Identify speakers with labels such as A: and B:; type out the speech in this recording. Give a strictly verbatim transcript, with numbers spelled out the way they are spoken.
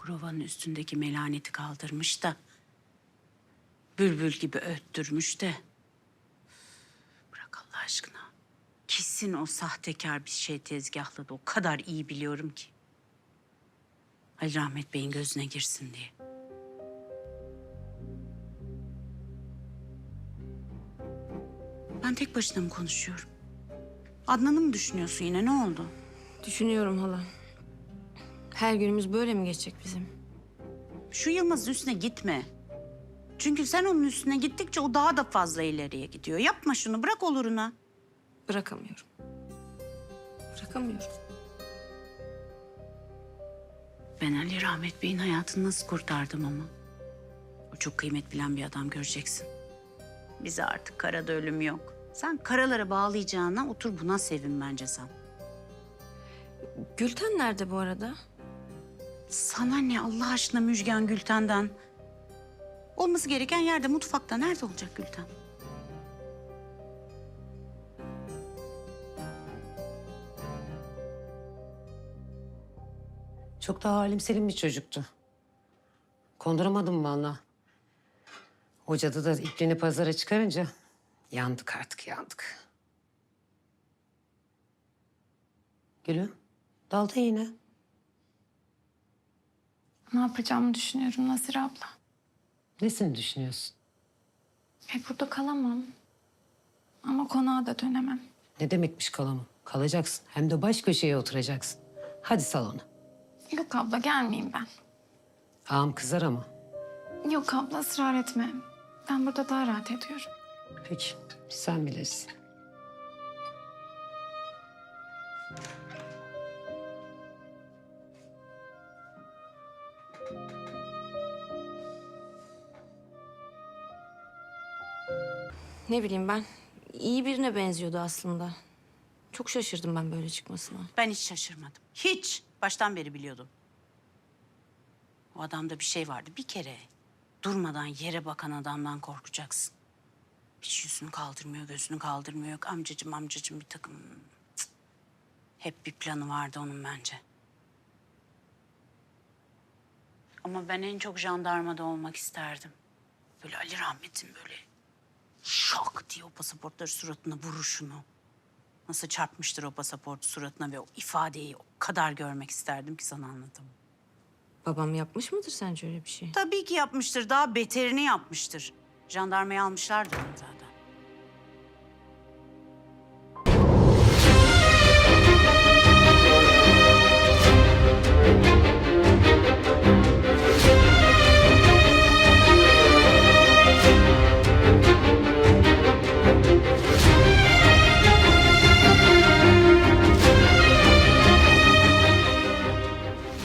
A: provanın üstündeki melaneti kaldırmış da... bülbül gibi öttürmüş de... Bırak Allah aşkına. Kesin o sahtekar bir şey tezgahladı. O kadar iyi biliyorum ki. Ali Rahmet Bey'in gözüne girsin diye. Ben tek başına mı konuşuyorum? Adnan'ı mı düşünüyorsun yine? Ne oldu?
B: Düşünüyorum hala. Her günümüz böyle mi geçecek bizim?
A: Şu Yılmaz'ın üstüne gitme. Çünkü sen onun üstüne gittikçe o daha da fazla ileriye gidiyor. Yapma şunu, bırak oluruna.
B: Bırakamıyorum. Bırakamıyorum.
A: Ben Ali Rahmet Bey'in hayatını nasıl kurtardım ama. O çok kıymet bilen bir adam, göreceksin. Bize artık karada ölüm yok. Sen karalara bağlayacağına otur buna sevin bence sen.
B: Gülten nerede bu arada?
A: Sana ne Allah aşkına Müjgan Gülten'den? Olması gereken yerde, mutfakta. Nerede olacak Gülten?
C: Çok daha halim selim bir çocuktu. Konduramadım vallahi. O cadı da ipliğini pazara çıkarınca yandık artık, yandık. Gülüm, dalda yine.
D: Ne yapacağımı düşünüyorum Nazire abla.
C: Nesini düşünüyorsun?
D: E burada kalamam. Ama konağa da dönemem.
C: Ne demekmiş kalamam? Kalacaksın. Hem de baş köşeye oturacaksın. Hadi salona.
D: Yok abla gelmeyeyim ben.
C: Ağam kızar ama.
D: Yok abla ısrar etme. Ben burada daha rahat ediyorum.
C: Peki, sen bilirsin.
B: Ne bileyim ben. İyi birine benziyordu aslında. Çok şaşırdım ben böyle çıkmasına.
A: Ben hiç şaşırmadım. Hiç. Baştan beri biliyordum. O adamda bir şey vardı bir kere. Durmadan yere bakan adamdan korkacaksın. Hiç yüzünü kaldırmıyor, gözünü kaldırmıyor. Yok amcacım amcacım bir takım. Cık. Hep bir planı vardı onun bence. Ama ben en çok jandarmada olmak isterdim. Böyle Ali Rahmet'in böyle şok diye o pasaportları suratına vuruşunu. Nasıl çarpmıştır o pasaportu suratına ve o ifadeyi o kadar görmek isterdim ki sana anlatamam.
B: Babam yapmış mıdır sence öyle bir şey?
A: Tabii ki yapmıştır. Daha beterini yapmıştır. Jandarmaya almışlardı onu zaten.